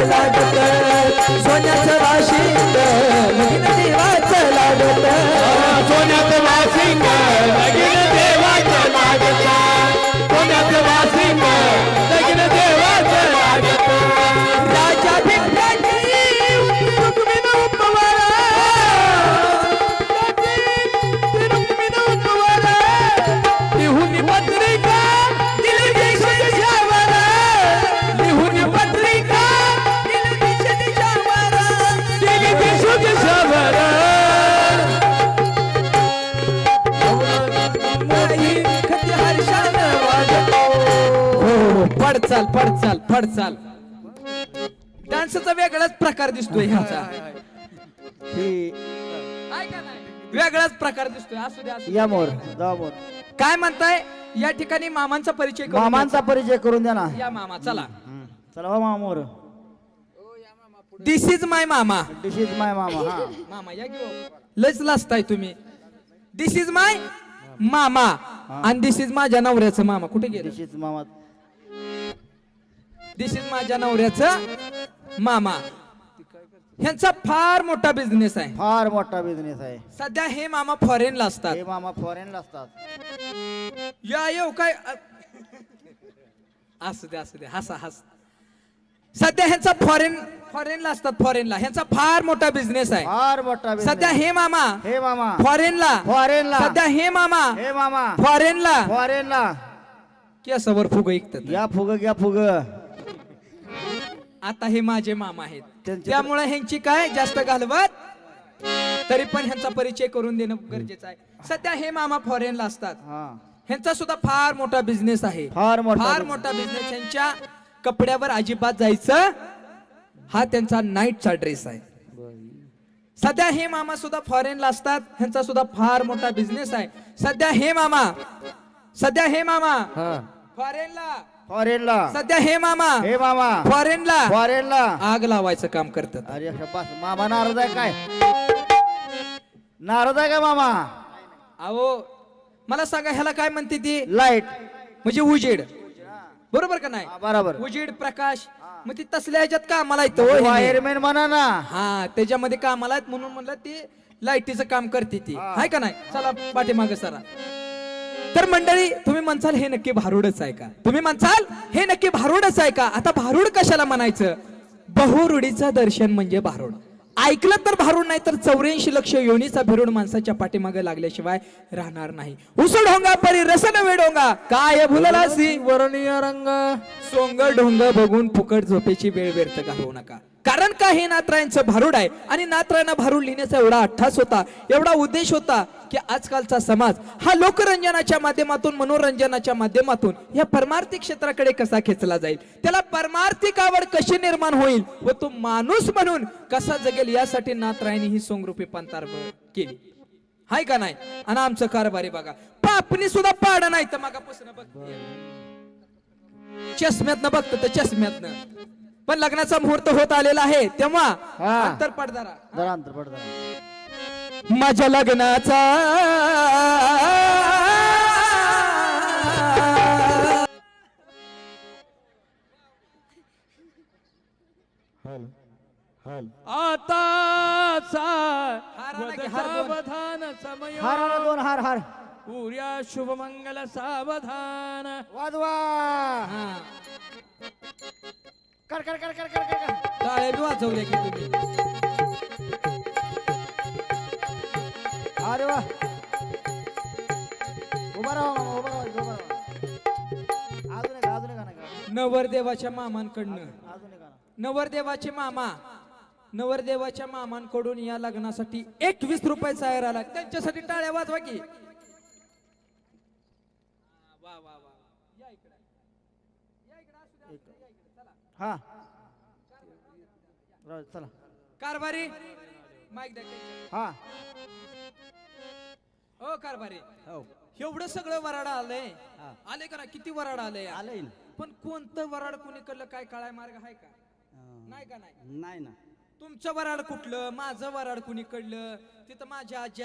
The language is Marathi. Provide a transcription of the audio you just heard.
लागत सोन्याचं वाशिंग लगीन देवाचं लागत सोन्याचं वासिंग लगीन देवाचं लागत सोन्याचं वासिंग लगीन देवाचं लागत राजा भिक्काजी रुक्मिणी उपवारा रुक्मिणी उपवारा लिहून पत्रिका दिली देशावर लिहून पत्रिका दिली देशावर दिली देशावर नाही कधी हर्षानं वाजतो हो पडचाल पडचाल पडचाल डान्सचा वेगळाच प्रकार दिसतोय ह्याचा वेगळाच प्रकार दिसतोय असू द्या या मोर जा मोर काय म्हणताय या ठिकाणी मामांचा परिचय करून मामांचा परिचय करून द्या ना द्या. या मामा चला चला हो मामा मोर दिस इज माय मामा दिस इज माय मामा हा मामा या घेऊ लयच लाजताय तुम्ही दिस इज माय मामा आणि दिस इज माझ्या नवऱ्याचं मामा कुठे गेले दिस इज मामा दिस इज माझ्या नवऱ्याचं मामा ह्यांचा फार मोठा बिझनेस आहे फार मोठा बिझनेस आहे सध्या हे मामा फॉरेनला असतात हे मामा फॉरेनला असतात या येऊ काय असू दे हसा हस सध्या ह्यांचा फॉरेनला असतात फॉरेनला ह्यांचा फार मोठा बिझनेस आहे फार मोठा सध्या business. हे मामा हे मामा फॉरेनला फॉरेनला सध्या हे मामा हे मामा फॉरेनला फॉरेनला केसावर फुग ऐकतात या फुग घ्या फुग आता हे माझे मामा आहेत त्यांचे- त्यामुळे ह्यांची काय जास्त घालवत तरी पण ह्यांचा परिचय करून देणं गरजेचं आहे सध्या हे मामा फॉरेनला असतात हा ह्यांचा सुद्धा फार मोठा बिझनेस आहे फार मोठा फार business. मोठा बिझनेस ह्यांच्या कपड्यावर अजिबात जायचं हा त्यांचा नाईटचा ड्रेस आहे सध्या हे मामा सुद्धा फॉरेनला असतात ह्यांचा सुद्धा फार मोठा बिझनेस आहे सध्या हे मामा हा फॉरेनला फॉरेनला सध्या हे मामा फॉरेनला फॉरेनला आग लावायचं काम करतात अरे बस मामा नाराज आहे काय नाराज आहे का मामा अहो मला सांगा ह्याला काय म्हणते ती लाईट म्हणजे उजेड बरोबर का नाही बरोबर उजेड प्रकाश मग ती तसल्या ह्याच्यात कामाला येतो हो ह्याने. वायरमॅन म्हणा ना हा त्याच्यामध्ये कामाला आहेत म्हणून म्हणलं ती लाईटीचं काम करते ती हाय का नाही चला पाठीमाग सरा तर मंडळी तुम्ही म्हणसाल हे नक्की भारूडच आहे का तुम्ही म्हणसाल हे नक्की भारूडच आहे का आता भारूड कशाला म्हणायचं बहुरूढीचं दर्शन म्हणजे भारूड ऐकलं तर भारूड नाही तर 84 लक्ष योनीचा भिरूड माणसाच्या पाठीमागे लागल्याशिवाय राहणार नाही उसळ ढोंगा परी रस नवे डोंगा काय भुललासी वर्णीय रंग सोंग ढोंग बघून फुकट झोपेची वेळ व्यर्थ घालवू नका कारण का हे नातरायांचं भारूड आहे आणि नातरायांना भारूड लिहिण्याचा एवढा अट्ठास होता एवढा उद्देश होता की आजकालचा समाज हा लोकरंजनाच्या माध्यमातून मनोरंजनाच्या माध्यमातून या परमार्थिक क्षेत्राकडे कसा खेचला जाईल त्याला परमार्थिक आवड कशी निर्माण होईल व तो माणूस म्हणून कसा जगेल यासाठी नातरायांनी ही सोंगरूपी पंतार केली हाय का नाही आणि आमचं कारभारी बघा पापणी सुद्धा पाडा नाही तर मागापासून बघ चष्म्यातनं बघतो तर चष्म्यातनं पण लग्नाचा मुहूर्त होत आलेला आहे तेव्हा अंतर पड जरा अंतर पड जरा माझ्या लग्नाचा आताचा सावधान समय हार हार दोन हार हार पुर्या शुभमंगल सावधान वाजवा कर कर कर कर कर कर टाळे बी वाजवले की तुम्ही अरे वा उभा राहा मामा उभा राहा अजून एक गाणं गा. नवरदेवाच्या मामांकडनं अजून एक गाणं नवरदेवाच्या मामांकडून या लग्नासाठी 21 रुपयाचा आहेर आला त्यांच्यासाठी टाळ्या वाजवा की हा राहू दे, चला कारभारी माईक द्या हा ओ कारभारी हो एवढं सगळं वराड आलंय आले का ना किती वराड आलंय आलंय पण कोणतं वराड कुणीकडलं काय काळा मार्ग आहे का नाही का नाही नाही ना तुमचं वराड कुठलं माझं वराड कुणीकडलं तिथं माझ्या आजी